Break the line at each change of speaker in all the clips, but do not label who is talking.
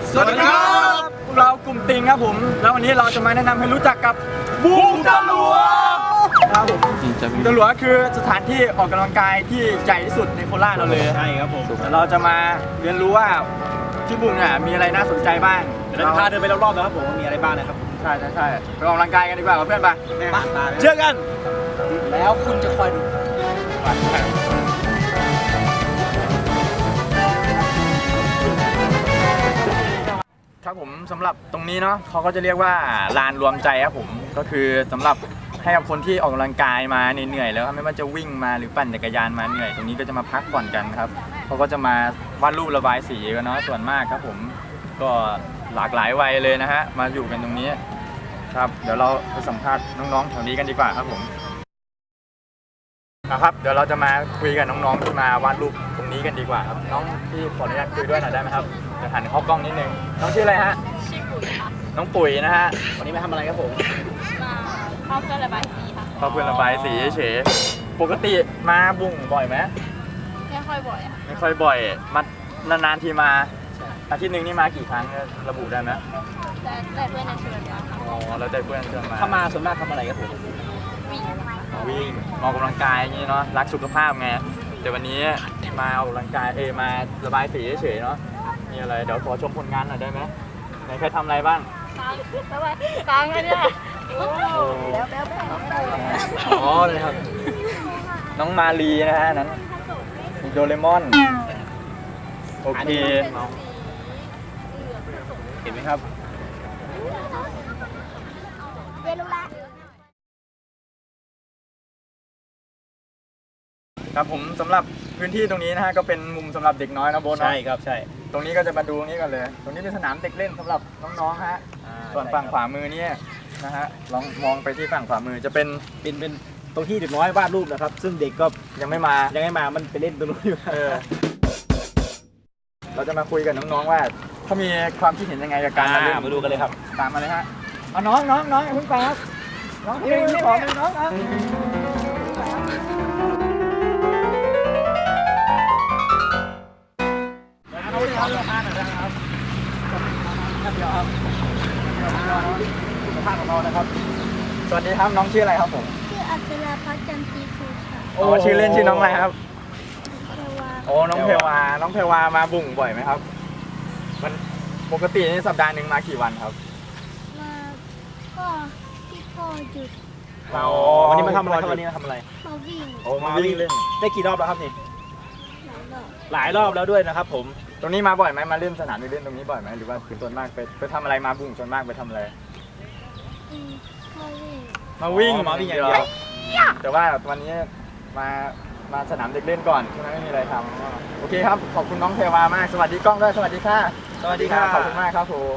สวัสดีครับเรากลุ่มติงครับผมแล้ววันนี้เราจะมาแนะนำให้รู้จักกับบุงตะหลวครับผมบุงตะหลวคือสถานที่ออกกำลังกายที่ใหญ่ที่สุดในโคราชเราเลย
ใช่ครับผม
เราจะมาเรียนรู้ว่าที่บุงเนี่ยมีอะไรน่าสนใจบ้าง
เราพาเดินไปรอบๆนะครับผมว่ามีอะไรบ้างนะครับ
ใช่ไปออกกำลังกายกันดีกว่าเพื่อนไป
เจอกัน
แล้วคุณจะคอยดูครับผมสำหรับตรงนี้เนาะเขาก็จะเรียกว่าลานรวมใจครับผมก็คือสำหรับให้กับคนที่ออกกำลังกายมาเหนื่อยแล้วไม่ว่าจะวิ่งมาหรือปั่นจักรยานมาเหนื่อยตรงนี้ก็จะมาพักผ่อนกันครับเขาก็จะมาวาดรูประบายสีกันเนาะส่วนมากครับผมก็หลากหลายวัยเลยนะฮะมาอยู่กันตรงนี้ครับเดี๋ยวเราไปสัมภาษณ์น้องๆแถวนี้กันดีกว่าครับผมนะครับเดี๋ยวเราจะมาคุยกับน้องๆที่มาวาดรูปตรงนี้กันดีกว่าครับน้องที่ขออนุญาตคุยด้วยหน่อยได้ไหมครับจะหันเข้ากล้องนิดนึงน้องชื่ออะไรฮะ
ชื่อปุ๋ยค่ะ
น้องปุ๋ยนะฮะ
วันนี้มาทำอะไรครับผม
มาเข้าเพื่อนระบายสีค่ะ
เข้าเพื่อนระบายสีเฉยปกติมาบุ่งบ่อยไหม
ไม่ค่อยบ่อยค่ะ
ไม่ค่อยบ่อยมานานๆทีมาอาทิตย์หนึ่งนี่มากี่ครั้งระบุได้ไหม
แต่เพื่อนจะชวนมาค่ะ
อ๋อแล้วแต่เพื่อนชวนมา
ถ้ามาส่วนมากทำอะไรครับผม
วิ่ง
ออกกำลังกายอย่างนี้เนาะรักสุขภาพไงแต่วันนี้มาออกกำลังกายมาระบายสีเฉยเนาะมีอะไรเดี๋ยวขอชมผลงานหน่อยได้ไหมไหนใครทำอะไรบ้าง
กลางเลยเนี่ย
อ๋อเลยครับน้องมาลีนะฮะนั้นโดเรมอนโอเค
เห็นไหมครับ
ครับผมสำหรับพื้นที่ตรงนี้นะฮะก็เป็นมุมสำหรับเด็กน้อยนะโบ๊ท
ใช่ครับใช่
ตรงนี้ก็จะมาดูนี้กันเลยตรงนี้เป็นสนามเด็กเล่นสำหรับน้องๆฮะส่วนฝั่งขวามือนี่นะฮะลองมองไปที่ฝั่งขวามือจะเป็น
ตรงที่เด็กน้อยวาดรูปนะครับซึ่งเด็กก็
ยังไม่มา
มันไปเล่นตรงนู้นอยู่
เราจะมาคุยกับน้องๆว่าเขามีความคิดเห็นยังไงกับการมาเล่น
มาดูกันเลยครับ
ตามมาเลยฮะเอาน้องอย่าเพิ่งไปครับน้องนี่ขอน้องครับสวัสดีครับน้องชื่ออะไรครับผม
ชื่ออัศราพัฒน์จันทรีภูค่ะ
โอ้ชื่อเล่นชื่อน้องอะไรครับโอ้น้องเพวามาบุ่งบ่อยไหมครับมันปกตินี่สัปดาห์หนึ่งมากี่วันครับ
มาก็ที่พ่อหยุด
วันนี้มาทำอะไรครับวันนี้มาทำอะไร
มาวิ่ง
มาวิ่งเล่นได้กี่รอบแล้วครับนี่หลายรอบแล้วด้วยนะครับผม
ตรงนี้มาบ่อยไหมมาเล่นสนามเล่นตรงนี้บ่อยไหมหรือว่าคือส่วนมากไปทำอะไรมาบุ่งส่วนมากไปทำอะไรมาวิ่งอย่างเดียวแต่ว่าวันนี้มาสนามเด็กเล่นก่อนช่วงนั้นไม่มีอะไรทำโอเคครับขอบคุณน้องเทวามากสวัสดีกล้องด้วยสวัสดีค่ะ
สวัสดีค่ะ
ขอบคุณมากครับผม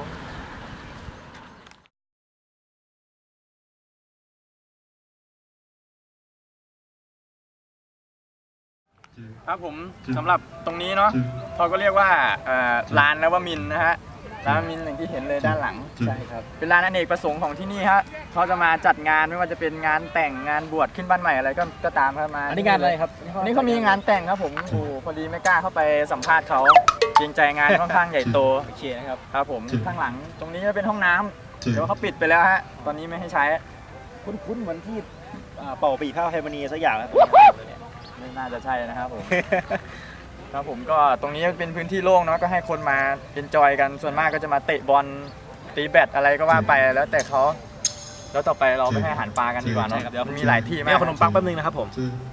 ครับผมสำหรับตรงนี้เนาะเขาก็เรียกว่าลานนวมินทร์นะฮะร้านมินอย่างที่เห็นเลยด้านหลัง
ใช่ครับ
เป็นร้านอเนกประสงค์ของที่นี่ฮะเขาจะมาจัดงานไม่ว่าจะเป็นงานแต่งงานบวชขึ้นบ้านใหม่อะไรก็ตามครับมา
อันนี้งานอะไรครับ
นี่เขามีงานแต่งครับผมโอ้พอดีไม่กล้าเข้าไปสัมภาษณ์เขาเกรงใจงานค่อนข้างใหญ่โต
โอเคนะครับ
ครับผมข้างหลังตรงนี้จะเป็นห้องน้ำเดี๋ยวเขาปิดไปแล้วฮะตอนนี้ไม่ให้ใช้
คุ้นเหมือนที่เป่าปีข้าวไฮมานีสักอย่าง
ไม่น่าจะใช่นะครับผมครับผมก็ตรงนี้เป็นพื้นที่โล่งเนาะก็ให้คนมาเอนจอยกันส่วนมากก็จะมาเตะบอลตีแบดอะไรก็ว่าไปแล้วแต่เขาแล้วต่อไปเราไปให้อาหารปลากันดีกว่าเนาะเดี๋ยวมีหลายที่มาก
ขนมปังแป๊บนึงนะครับผม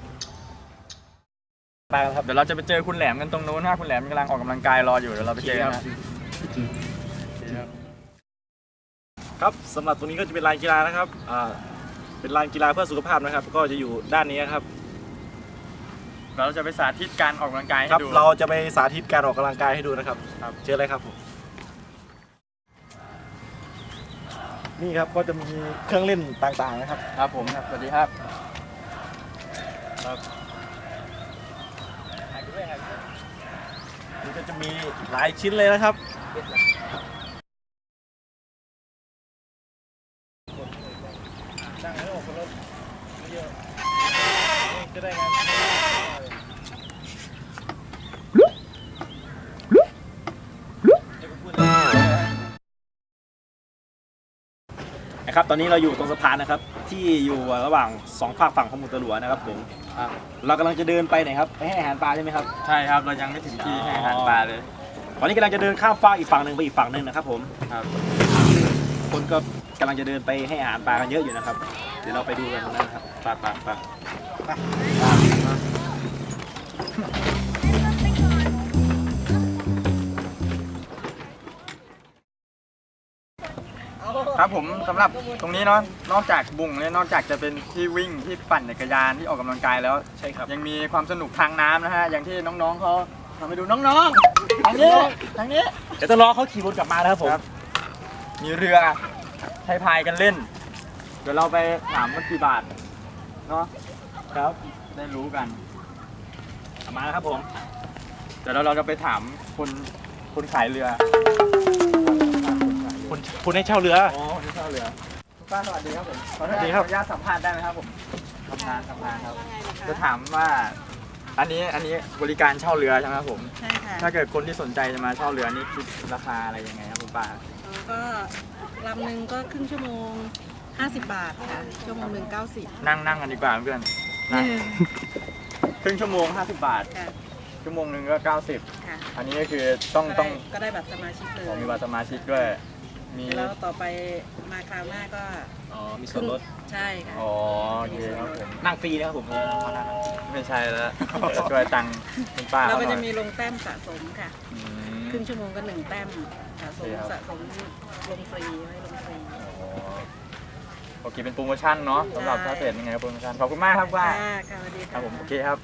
ปลาครับเดี๋ยวเราจะไปเจอคุณแหลมกันตรงนู้นนะคุณแหลมกำลังออกกำลังกายรออยู่เดี๋ยวเราไปเจอกัน
ครับสำหรับตรงนี้ก็จะเป็นลานกีฬานะครับเป็นลานกีฬาเพื่อสุขภาพนะครับก็จะอยู่ด้านนี้ครับ
เราจะไปสาธิตการออกกำลังกายให้ดู
เราจะไปสาธิตการออกกำลังกายให้ดูนะครับเจออะไรครับผมนี่ครับก็จะมีเครื่องเล่นต่างๆนะครับ
ครับผมครับสวัสดีครับ
นี่ก็จะมีหลายชิ้นเลยนะครับจะได้งานนะครับตอนนี้เราอยู่ตรงสะพานนะครับที่อยู่ระหว่าง2 ฝากฝั่งของหมู่ตะหลัวนะครับผมเรากำลังจะเดินไปไหนครับไปให้อาหารปลาใช่ไหมครับ
ใช่ครับเรายังไม่ถึงที่ให้อาหารปลาเลย
ตอนนี้กำลังจะเดินข้ามฟากอีกฝั่งหนึ่งไปอีกฝั่งหนึ่งนะครับผม
ครับ
คนก็กำลังจะเดินไปให้อาหารปลากันเยอะอยู่นะครับเดี๋ยวเราไปดูกันตรงนั้นนะครับไป
ครับผมสำหรับตรงนี้เนาะนอกจากบุ่งเนี่ยนอกจากจะเป็นที่วิ่งที่ปั่นจักรยานที่ออกกำลังกายแล้ว
ใช่ครับ
ยังมีความสนุกทางน้ำนะฮะอย่างที่น้องๆเขาทำให้ดูน้องๆทางนี้ทางนี้
เดี๋ยวต้องรอเขาขี่รถกลับมานะครับผม
ครับ มีเรือให้พายกันเล่น เดี๋ยวเราไปถามว่ากี่บาทเนาะ
ครับ
ได้รู้กัน
กลับมาแล้วครับผม
เดี๋ยวเราจะไปถามคนขายเรือ
คุณให้เช่าเรือ
อ๋อที่เช่าเรือคุณป้าสวัสดีครับผมขอ
สวัสดีครับ
อนุญาตสัมภาษณ์ได้ไหมครับผมทำงานครับจะถามว่าอันนี้บริการเช่าเรือใช่ไหมครับผม
ใช่ค่ะ
ถ้าเกิดคนที่สนใจจะมาเช่าเรือนี่คิดราคาอะไรยังไงครับคุณป้า
ก็ลำหนึ่งก็ครึ่งชั่วโมง 50 บาทค่ะ ชั่วโมงหนึ่ง90
นั่งกันดีกว่าเพื่อนนั่งครึ่งชั่วโมง50 บาท
ค่ะ
ชั่วโมงหนึงก็90
ค่ะ
อันนี้ก็คือต้อง
ก็ได้บัตรสมาชิกเลย
มีบัตรสมาชิกด้วยมี
แล้วต่อไปมาคราวหน้าก็
อ๋อมีส่วนลด
ใช่ค่ะ
อ๋อโอเคครับผม
นั่งฟรีนะครับผม
ไม่ใช่แล้วช่วยตังค์คุณป้า
เรา
เขา
ก็
หน่
จะ
อย
มีลงแต้มสะสมค่ะ
อืม
ครึ่งชั่วโมงก็1 แต้มสะสม
โอเคครับ
สะสมลงฟรีไว้ลงฟรี
อ๋อโอเคเป็นโปรโมชั่นเนาะสำหรับ
ใช่
ถ้าเพจยังไงโปรโมชั่นขอบคุณมากครับป้า
ค่ะค่ะสวัสดี
ครับผมโอเคครับ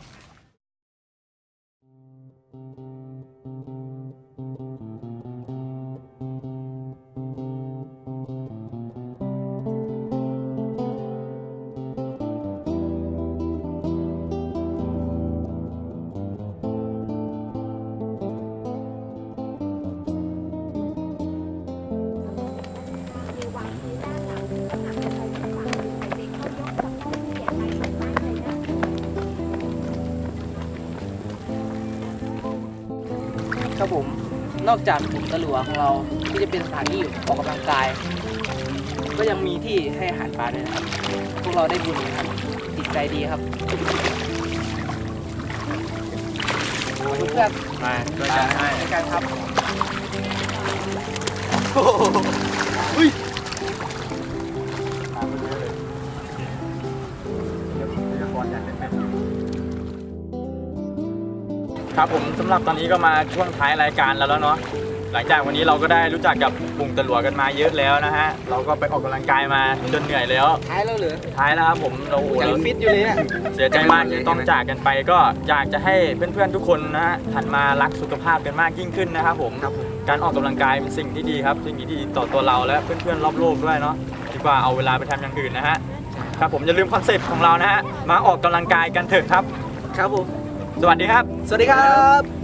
ครับผมนอกจากหลุมตะหลัวของเราที่จะเป็นสถานที่ออกกำลังกาย ก็ยังมีที่ให้อาหารปลาด้วยนะครับ พวกเราได้บุญนะครับติดใจดีครับเพื่อน
มาช่วยกันให้
ในการครับ
ตามไปเรื่อยเลยเดี๋ยวพยากรณ์อย่างเป็นครับผมสำหรับตอนนี้ก็มาช่วงท้ายรายการแล้วเนาะหลังจากวันนี้เราก็ได้รู้จักกับบุ่งตะหลัวกันมาเยอะแล้วนะฮะเราก็ไปออกกำลังกายมาจนเหนื่อยแล้ว
ท้ายแล้วเหรอ
ท้ายแล้วครับผมเราโอ้โห
ยัง
เรา
ฟิตอยู่เลยเนี่ย
เสียใจมากที่ต้องจากกันไปก็อยากจะให้เพื่อนๆทุกคนนะฮะหันมารักสุขภาพกันมากยิ่งขึ้นนะครับผมการออกกำลังกายเป็นสิ่งที่ดีครับสิ่งที่ดีต่อตัวเราและเพื่อนๆรอบโลกด้วยเนาะดีกว่าเอาเวลาไปทำอย่างอื่นนะฮะครับผมอย่าลืมคอนเซ็ปต์ของเรานะฮะมาออกกำลังกายกันเถอะครับ
ครับผม
สวัสดีครับ
สวัสดีครับ